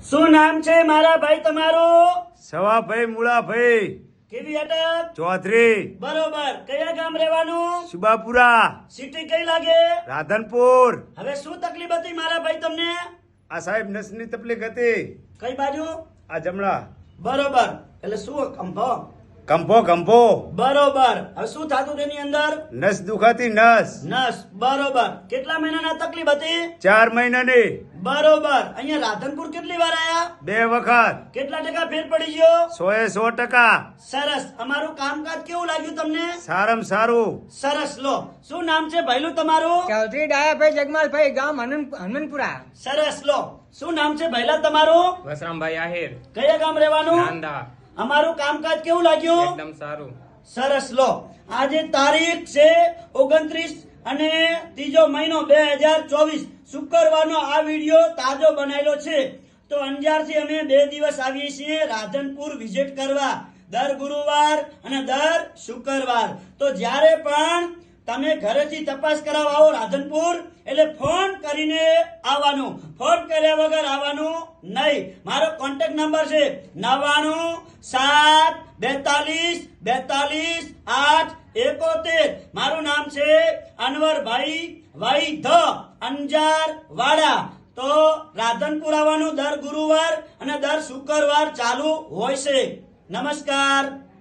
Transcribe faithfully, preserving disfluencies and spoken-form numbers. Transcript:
શું નામ છે મારા ભાઈ તમારું? સવાભાઈ મુળાભાઈ કેવી અટક? ચૌધરી બરોબર. કયા ગામ રહેવાનું? સુબાપુરા સિટી કઈ લાગે? રાધનપુર. હવે શું તકલીફ હતી મારા ભાઈ તમને? આ સાહેબ નસની તકલીફ હતી. કઈ બાજુ? આ જમણા બરોબર. એટલે શું કંભો? કંપો કંપો બરોબર. હવે શું થતું તેની અંદર? નસ દુખાતી નસ. નસ. બરોબર. કેટલા મહિનાના તકલીફ હતી? ચાર મહિનાની. બરોબર. અહીંયા રાધનપુર કેટલી વાર આયા? બે વખત. કેટલા ટકા ફેર પડી ગયો? સો એ સો ટકા. સરસ. અમારું કામકાજ કેવું લાગ્યું તમને? સારામાં સારું. સરસ. લો, શું નામ છે ભાઈલું તમારું? ચૌધરી ડાયાભાઈ જગમાલભાઈ ગામ હનુમ- હનુમાનપુરા. સરસ. લો, શું નામ છે ભાઈલા તમારું? વસરામભાઈ આહિર કયા ગામ રહેવાનું? નાંદા. અમારું કામકાજ કેવું લાગ્યું? એકદમ સારું. સરસ. લો, આજે તારીખ છે ઓગણત્રીસ અને ત્રીજો મહિનો બે હજાર ચોવીસ શુક્રવારનો આ વિડીયો તાજો બનાવેલો છે. તો અંજારથી અમે બે દિવસ આવીએ છીએ રાધનપુર વિઝિટ કરવા, દર ગુરુવાર અને દર શુક્રવાર. તો જ્યારે પણ તમે ઘરેથી તપાસ કરાવવા આવો રાધનપુર, એટલે ફોન કરીને આવવાનું, ફોન કર્યા વગર આવવાનું નહીં. મારો કોન્ટેક્ટ નંબર છે નવ્વાણું સાત બેતાલીસ બેતાલીસ આઠ એકોતેર. મારું નામ છે અનવરભાઈ વાઈ ધ અંજાર વાડા. તો રાધનપુર આવવાનું દર ગુરુવાર અને દર શુક્રવાર ચાલુ હોય છે. નમસ્કાર.